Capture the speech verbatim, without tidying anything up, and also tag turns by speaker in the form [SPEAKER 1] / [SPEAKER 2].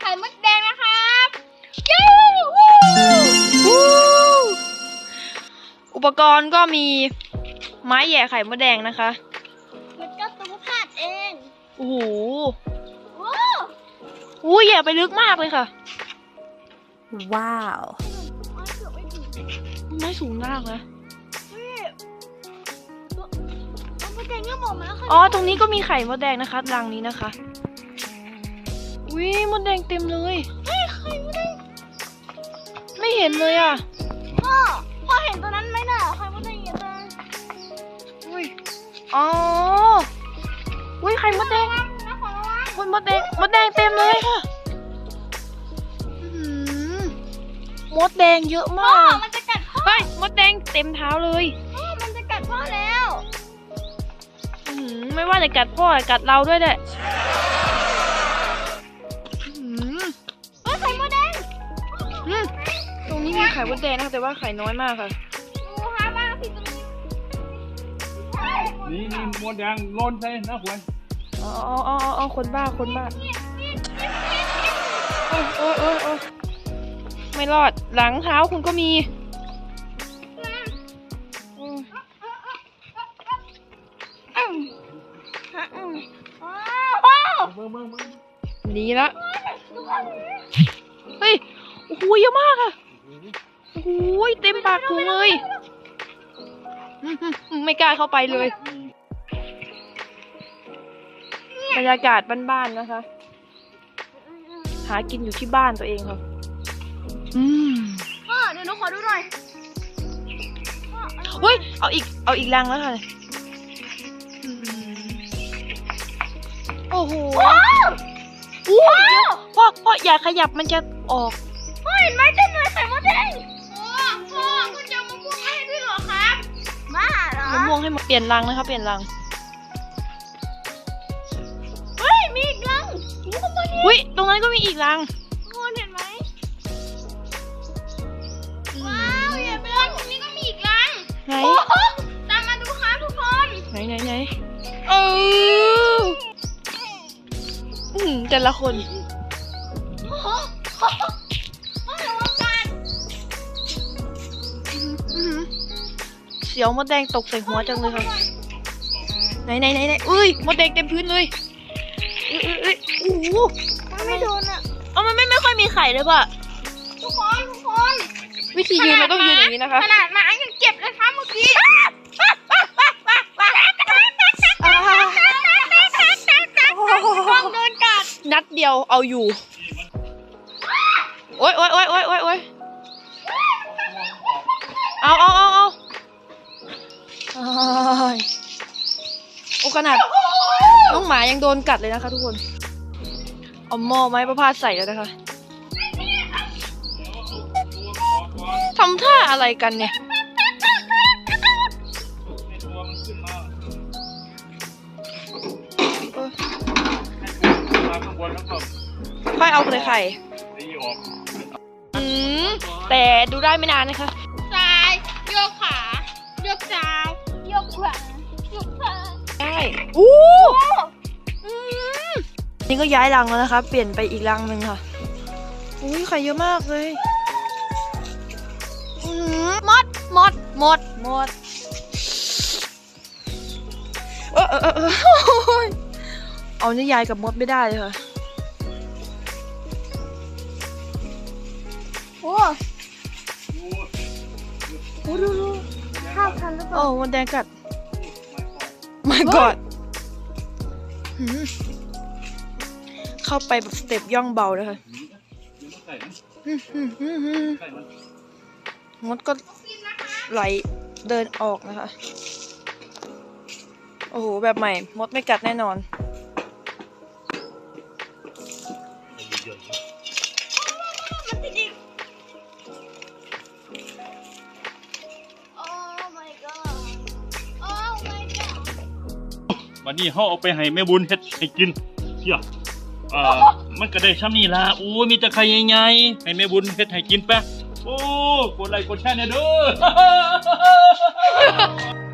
[SPEAKER 1] ข่มดแดงนะครับ
[SPEAKER 2] อุปกรณ์ก็มีไม้แย่ไข่มดแดงนะคะ
[SPEAKER 1] มันก็ตุ้งพลาดเอง
[SPEAKER 2] โอ้โห
[SPEAKER 1] โอ้
[SPEAKER 2] โหแย่ไปลึกมากเลยค่ะว้าวไม่สูงมากนะอ๋อตรงนี้ก็มีไข่มดแดงนะคะรังนี้นะคะวิมดแดงเต็มเลย
[SPEAKER 1] เฮ้ยไข่มดแดง
[SPEAKER 2] ไม่เห็นเลยอ่ะ
[SPEAKER 1] พ่อพ่อเห็นตัวนั้นไหมน่ะไข่มดแดงเห็นตัวนั้น
[SPEAKER 2] อุ้ยอ๋ออุ้ยไข่มดแดงคุณมดแดงมดแดงเต็มเลยค่ะมดแดงเยอะมาก
[SPEAKER 1] มันจะกัดพ่อ
[SPEAKER 2] เฮ้ยมดแดงเต็มเท้าเลย
[SPEAKER 1] พ่อมันจะกัดพ่อแล้ว
[SPEAKER 2] ไม่ว่าจะกัดพ่อกัดเราด้วยแหละ
[SPEAKER 1] เฮ้ยไข่มดแดง
[SPEAKER 2] ตรงนี้มีไข่มดแดงนะแต่ว่าไข่น้อยมากค่ะ
[SPEAKER 1] ดูฮะบ้างที่ตรงนี้
[SPEAKER 3] นี่นี่มดแดงล้นใช่นะคุณ
[SPEAKER 2] อ๋ออ๋ออ๋ออ๋อคนบ้าคนบ้าโอ้โอ้โอ้โอ้ไม่รอดหลังเท้าคุณก็มีหนีละเฮ้ยโอ้โหเยอะมากอะโอ้โหเต็มปากถุงเลยไม่กล้าเข้าไปเลยบรรยากาศบ้านๆนะคะหากินอยู่ที่บ้านตัวเองค่ะอืม
[SPEAKER 1] พ่อเดี๋ยวหนูขอดูหน่อย
[SPEAKER 2] เฮ้ยเอาอีกเอาอีกรังแล้วค่ะโอ้โหโอ้ยพ่อพ่ออย่าขยับมันจะออก
[SPEAKER 1] พ่อเห็นไหมเต็มเลยไข่มดแดงพ่อพ่อคุณจะมะม่วงให้ด้วยเหรอครับบ้าเหรอ
[SPEAKER 2] มะม่วงให้มาเปลี่ยนรังนะคะเปลี่ยนรัง
[SPEAKER 1] เฮ้ยมีอีกรัง
[SPEAKER 2] อุ้ยตรงนั้นก็มีอีกรัง
[SPEAKER 1] คุณเห็นไหมว้าวอย่าไปรังตรงนี้ก็มีอีกรัง
[SPEAKER 2] ไหน
[SPEAKER 1] ตามมาดูครับทุกคน
[SPEAKER 2] ไหนไหนไหนเออแต่ละคนเสียวมดแดงตกใส่หัวจังเลยค่ะไหนไหนไหนไหนอุ้ยมดแดงเต็มพื้นเลยเอ้ยเอ้ยโอ้โห
[SPEAKER 1] มันไม่โดนอ่ะ
[SPEAKER 2] เอามันไม่ไม่ค่อยมีไข่เลยป่ะ
[SPEAKER 1] ทุกคนทุกคน
[SPEAKER 2] วิธียืนมันต้องยืนอย่างนี้นะคะ
[SPEAKER 1] ขนาดหมายังเจ็บเลยครับเมื่อกี้ต้องโดนกัด
[SPEAKER 2] นัดเดียวเอาอยู่โอ๊ยโอ๊ยโอ๊ยโอ๊ยโอ๊ยโอ๊ยเอาเอาเอาเอาโอ้ขนาดน้องหมายังโดนกัดเลยนะคะทุกคนเอาหม้อไม้ประพาสใส่แล้วนะคะทำท่าอะไรกันเนี่ยค่อยเอาเลยไข่อืมแต่ดูได้ไม่นานนะคะ
[SPEAKER 1] ซ้ายโยกขาโยกซ้ายโยกขวาโยกซ้าย
[SPEAKER 2] ได้อู้นี่ก็ย้ายรังแล้วนะคะเปลี่ยนไปอีกรังหนึ่งค่ะอุ้ยไข่เยอะมากเลยมดมดมดมดเออเออเออเอาเนี่ยยายกับมดไม่ได้เลยค่ะ
[SPEAKER 1] โอ้โหดูดูข้าวทันหรือเปล่า
[SPEAKER 2] โอ้มันแดงกัดไม่กอดเข้าไปแบบสเต็ปย่องเบาเลยค่ะมดก็ไหลเดินออกนะคะโอ้โหแบบใหม่มดไม่กัดแน่นอน
[SPEAKER 3] วันนี้เขาเอาไปให้แม่บุญเฮ็ดให้กินเที่ยเอ่อมันก็ได้ช่ำนี่ล่ะโอ้มีแต่ไข่ใหญ่ๆให้แม่บุญเฮ็ดให้กินแปะโอ้กดไลค์กดแชร์เนี่ยเด้อ